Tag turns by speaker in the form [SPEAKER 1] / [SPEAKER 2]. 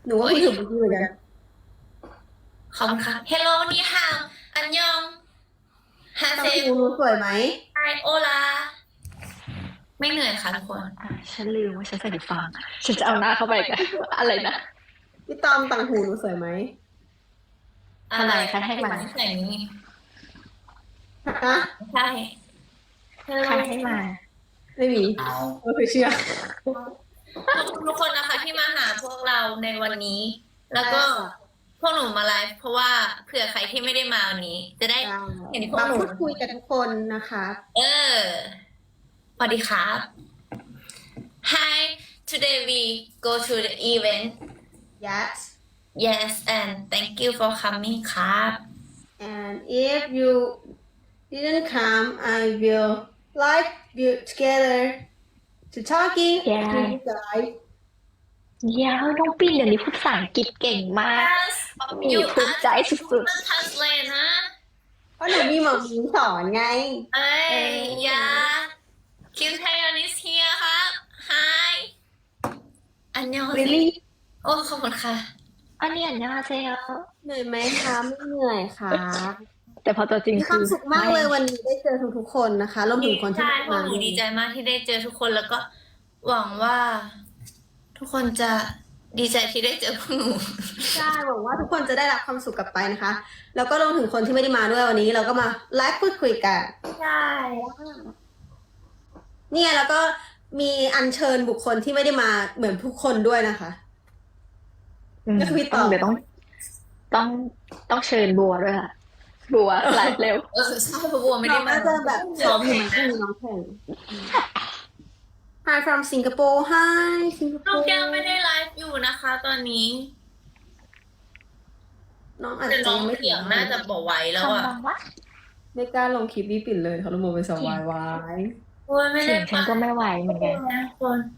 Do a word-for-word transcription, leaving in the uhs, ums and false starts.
[SPEAKER 1] หนูก็คิดถึงเมื่อกี้เหมือนกัน
[SPEAKER 2] ขอบคุณค่ะ Hello นี่ฮาวอันยองฮา
[SPEAKER 1] ตั
[SPEAKER 2] เซล
[SPEAKER 1] งหูหนูสวยไหม
[SPEAKER 2] ไอโอลาไม่เหนื่อยค่ะทุกคน
[SPEAKER 3] อ่ะฉันลืมว่าฉันใส่หูฟังฉันจะเอาหน้าเข้าไปกันอะไรนะ
[SPEAKER 1] พี่ตอมตังหูหนูสวยไหม
[SPEAKER 3] ทำไมคะให้มา
[SPEAKER 2] ใส่นี้
[SPEAKER 1] ฮะ
[SPEAKER 2] ใช่
[SPEAKER 3] ใครให้มา
[SPEAKER 1] ไม่มีไม่เคยเชื่อ
[SPEAKER 2] ขอบคุณทุกคนนะคะที่มาหาพวกเราในวันนี้ แล้วก็พวกหนูมาไลฟ์เพราะว่าเผื่อใครที่ไม่ได้มาวันนี้ จะได้เห็นพวก
[SPEAKER 1] มา
[SPEAKER 2] หนู
[SPEAKER 1] พูดคุยกับทุกคนนะคะ
[SPEAKER 2] เออสวัสดีครับ Hi today we go to the event
[SPEAKER 1] yes
[SPEAKER 2] yes and thank you for coming ครับ
[SPEAKER 1] and if you didn't come I will live you together to talking
[SPEAKER 3] Yeah.
[SPEAKER 1] to you guys
[SPEAKER 3] เดี๋ยวน้องปิ่นเดี๋ยวนี้พูดภาษาอังกฤษเก่งมาก
[SPEAKER 2] Yes
[SPEAKER 3] มีภูมิใจสุด
[SPEAKER 2] translate นะ
[SPEAKER 1] เพราะหนูมีหมอมีสอนไง
[SPEAKER 2] เอ้ยยาคิวไทยอนิสเฮียครับ Hi อันยอง
[SPEAKER 1] really
[SPEAKER 2] โอ้ขอบคุณค่ะ
[SPEAKER 3] ๆอันนี้อันยองอาเซโย
[SPEAKER 1] เหนื่อยไหมคะไม่เหนื่อยค่ะ
[SPEAKER 3] แต่พอตัวจริง
[SPEAKER 1] มีค
[SPEAKER 3] คื
[SPEAKER 1] วาม
[SPEAKER 3] อ
[SPEAKER 1] สุขมากเลยวันนี้ได้เจอทุกๆคนนะคะรวมถึงคนที่
[SPEAKER 2] ใช่
[SPEAKER 1] ไม่
[SPEAKER 2] พวก
[SPEAKER 1] มา
[SPEAKER 2] หนูดีใจมากที่ได้เจอทุกคนแล้วก็หวังว่า ทุกคนจะดีใจที่ได้เจอพวกหนู
[SPEAKER 1] ใช่หวังว่าทุกคนจะได้รับความสุขกลับไปนะคะ แล้วก็รวมถึงคนที่ไม่ได้มาด้วยวันนี้ เราก็มาไลฟ์พูดคุยกัน
[SPEAKER 2] ใช่
[SPEAKER 1] เนี่ยแล้วก็มีอัญเชิญบุคคลที่ไม่ได้มาเหมือนทุกคนด้วยนะคะ
[SPEAKER 3] อืม
[SPEAKER 1] ก็คือพี่ต
[SPEAKER 3] ต้
[SPEAKER 1] อ
[SPEAKER 3] อง งเดี๋ยวต้องต้องต้องเชิญบัวด้วยค่ะ บัวไลฟ์เร็ว
[SPEAKER 2] เออใช่เพราะบัวไม่
[SPEAKER 1] น้
[SPEAKER 2] ได้
[SPEAKER 1] อง
[SPEAKER 2] มา
[SPEAKER 1] น่าจะแบบซ้อมอยู่มั้งน้องแข่ง Hi from Singapore Hi สิงคโป
[SPEAKER 2] น้อง
[SPEAKER 1] ร์
[SPEAKER 2] แก้วไม่ได้ไลฟ์อยู่นะคะ ตอนนี้
[SPEAKER 1] น้องอาจ
[SPEAKER 2] แต่
[SPEAKER 1] จะ
[SPEAKER 2] น้อง
[SPEAKER 1] ยังไม่
[SPEAKER 2] เสียงน่าจะบอกไหวแล้วอ่ะ
[SPEAKER 3] คำบังวะ
[SPEAKER 1] ไม่กล้าลงคลิปพี่ปิ่นเลยเขาละโมเป็นสวายวาย
[SPEAKER 2] โอ้ยไม่
[SPEAKER 3] เสี
[SPEAKER 2] ได้
[SPEAKER 3] ยงฉันก็ไม่ไหวเหมือนกัน
[SPEAKER 2] นะคน